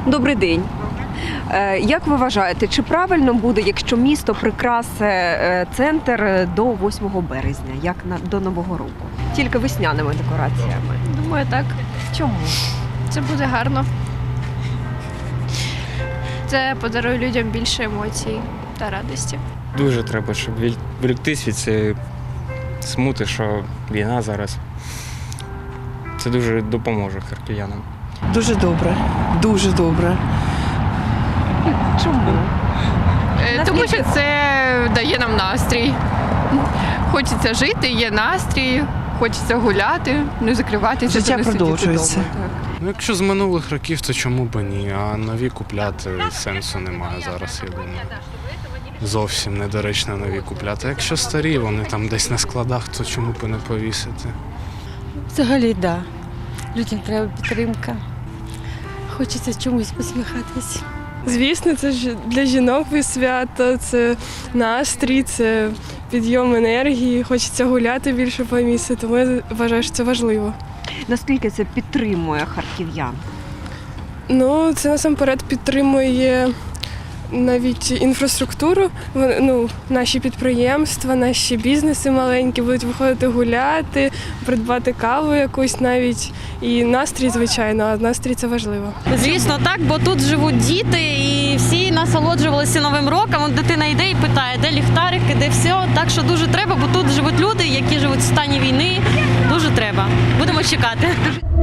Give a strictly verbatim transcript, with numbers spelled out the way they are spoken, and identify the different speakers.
Speaker 1: Добрий день. Е, Як ви вважаєте, чи правильно буде, якщо місто прикрасить е, центр до восьмого березня, як на, до Нового року? Тільки весняними декораціями.
Speaker 2: Думаю, так.
Speaker 1: Чому?
Speaker 2: Це буде гарно. Це подарує людям більше емоцій та радості.
Speaker 3: Дуже треба, щоб відволіктись від цієї смути, що війна зараз. Це дуже допоможе харків'янам.
Speaker 4: Дуже добре, дуже добре.
Speaker 1: Чому?
Speaker 5: Е, Тому що це дає нам настрій. Хочеться жити, є настрій, хочеться гуляти, не закриватися.
Speaker 4: Життя
Speaker 5: та не сидіти
Speaker 4: продовжується.
Speaker 5: вдома, так.
Speaker 6: Ну, якщо з минулих років, то чому б і ні? А нові купляти сенсу немає зараз, я думаю. Зовсім недоречно нові купляти. Якщо старі, вони там десь на складах, то чому б і не повісити?
Speaker 7: Взагалі, так. Да. Людям треба підтримка. Хочеться чомусь посміхатись.
Speaker 8: Звісно, це ж для жінок свято, це настрій, це підйом енергії, хочеться гуляти більше по місту, тому я вважаю, що це важливо.
Speaker 1: Наскільки це підтримує харків'ян?
Speaker 8: Ну, це насамперед підтримує навіть інфраструктуру, Вон- ну, наші підприємства, наші бізнеси маленькі будуть виходити гуляти, придбати каву якусь навіть. І настрій, звичайно, а настрій це важливо.
Speaker 9: Звісно, так, бо тут живуть діти і всі насолоджувалися Новим роком. От дитина йде і питає, де ліхтарики, де все. Так що дуже треба, бо тут живуть люди, які живуть в стані війни. Дуже треба. Будемо чекати.